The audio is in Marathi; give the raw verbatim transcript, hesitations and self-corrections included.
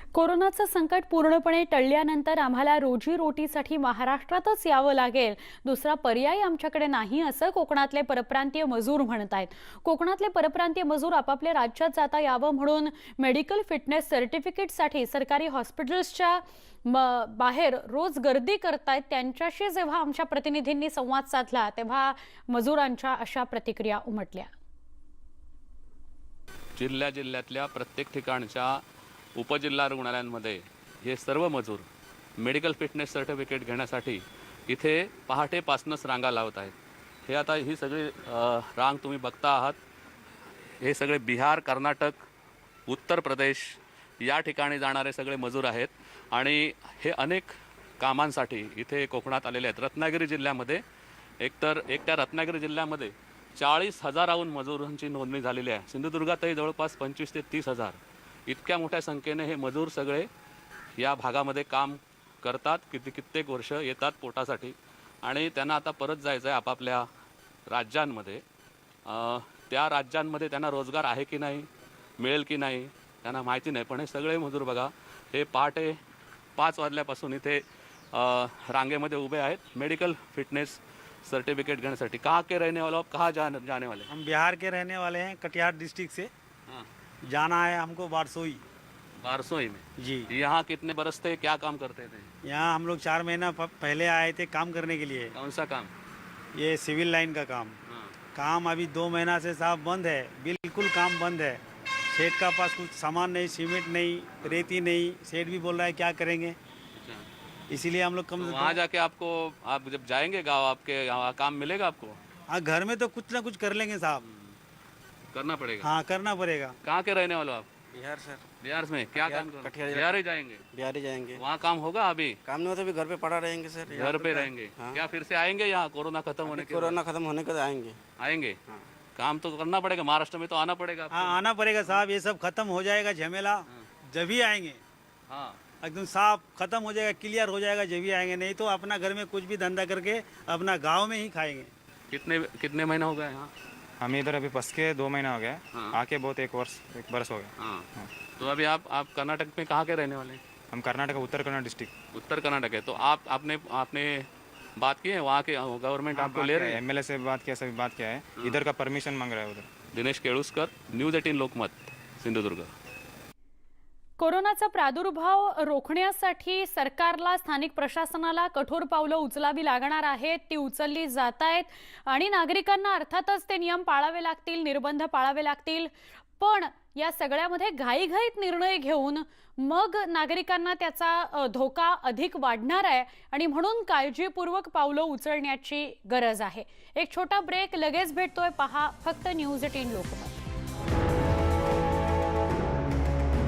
कोरोनाचं संकट पूर्णपणे टळल्यानंतर आम्हाला रोजीरोटीसाठी महाराष्ट्रातच यावं लागेल, दुसरा पर्याय आमच्याकडे नाही असं कोकणातले परप्रांतीय मजूर म्हणत आहेत। कोकणातले परप्रांतीय मजूर आपापल्या राज्यात जाता यावं म्हणून मेडिकल फिटनेस सर्टिफिकेटसाठी सरकारी हॉस्पिटल्सच्या बाहेर रोज गर्दी करतायत। त्यांच्याशी जेव्हा आमच्या प्रतिनिधींनी संवाद साधला तेव्हा मजुरांच्या अशा प्रतिक्रिया उमटल्या। जिल्ह्या जिल्ह्यातल्या प्रत्येक ठिकाणच्या उपजिल्हा रुग्णालयांमध्ये हे सर्व मजूर मेडिकल फिटनेस सर्टिफिकेट घेण्यासाठी इथे पहाटेपासूनच रांगा लावत आहेत। हे आता ही सगळी रांग तुम्ही बघता आहात, हे सगळे बिहार, कर्नाटक, उत्तर प्रदेश या ठिकाणी जाणारे सगळे मजूर आहेत आणि हे अनेक कामांसाठी इथे कोकणात आलेले आहेत। रत्नागिरी जिल्ह्यामध्ये एकतर एकट्या रत्नागिरी जिल्ह्यामध्ये चाळीस हजाराहून मजुरांची नोंदणी झालेली आहे। सिंधुदुर्गातही जवळपास पंचवीस ते तीस हजार इतक्या मोठ्या संख्येने हे मजूर सगळे या भागामध्ये काम करतात। किती कित्येक वर्ष येतात पोटासाठी आणि त्यांना आता परत जायचं आहे आपापल्या राज्यांमध्ये। त्या राज्यांमध्ये त्यांना रोजगार आहे की नाही, मिळेल की नाही त्यांना माहिती नाही, पण हे सगळे मजूर बघा हे पहाटे पाच वाजल्यापासून इथे रांगेमध्ये उभे आहेत मेडिकल फिटनेस सर्टिफिकेट घेण्यासाठी। कहाँ के रहने वाले हो आप, कहाँ जाने जाने वाले? हम बिहार के रहने वाले हैं, कटिहार डिस्ट्रिक्ट से। हाँ। जाना है हमको बारसोई। बारसोई में जी। यहाँ कितने बरस थे, क्या काम करते थे? यहाँ हम लोग चार महीना पहले आए थे काम करने के लिए। कौन सा काम? ये सिविल लाइन का काम। हाँ। काम अभी दो महीना से साहब बंद है, बिल्कुल काम बंद है। सेठ का पास कुछ सामान नहीं, सीमेंट नहीं, रेती नहीं। सेठ भी बोल रहा है क्या करेंगे, इसीलिए हम लोग कम तो वहाँ जाके आपको, आप जब जाएंगे गाँव आपके यहाँ काम मिलेगा आपको? हाँ, घर में तो कुछ ना कुछ कर लेंगे साहब, करना पड़ेगा। हाँ करना पड़ेगा। कहाँ के रहने वाले हो आप? बिहार सर। बिहार में क्या काम करोगे? कटिहार बिहार ही जाएंगे? बिहार ही जाएंगे। वहाँ काम होगा अभी? काम नहीं होता, अभी घर पे पड़ा रहेंगे सर। घर पे रहेंगे। हाँ। क्या फिर से आएंगे यहाँ कोरोना खत्म होने के? कोरोना खत्म होने के बाद आएंगे। आएंगे। काम तो करना पड़ेगा, महाराष्ट्र में तो आना पड़ेगा। हाँ आना पड़ेगा साहब, ये सब खत्म हो जाएगा झमेला जब ही आएंगे। हाँ एकदम साफ खत्म हो जाएगा, क्लियर हो जाएगा जब भी आएंगे, नहीं तो अपना घर में कुछ भी धंधा करके अपना गांव में ही खाएंगे। कितने कितने महीने हो गए यहाँ? हम इधर अभी बस के दो महीना हो गया। हाँ। आके बहुत एक वर्ष एक बरस हो गया। हाँ। हाँ। तो अभी आप आप कर्नाटक में कहाँ के रहने वाले हैं? हम कर्नाटक उत्तर कन्नड़ डिस्ट्रिक्ट। उत्तर कर्नाटक है। तो आप आपने आपने बात की है वहाँ के गवर्नमेंट आपको ले रहे हैं? एमएलए से बात किया, सभी बात किया है। इधर का परमिशन मांग रहा है उधर। Dinesh Keluskar, news eighteen Lokmat, Sindhudurg. कोरोनाचा प्रादुर्भाव रोखण्यासाठी सरकारला, स्थानिक प्रशासनाला कठोर पावलं उचलावी लागणार आहेत, ती उचलली जात आहेत आणि नागरिकांना अर्थातच ते नियम पाळावे लागतील, निर्बंध पाळावे लागतील। पण या सगळ्यामध्ये घाईघाईत निर्णय घेऊन मग नागरिकांना त्याचा धोका अधिक वाढणार आहे आणि म्हणून काळजीपूर्वक पावलं उचलण्याची गरज आहे। एक छोटा ब्रेक, लगेच भेटतोय, पहा फक्त न्यूज एटीन लोकमत।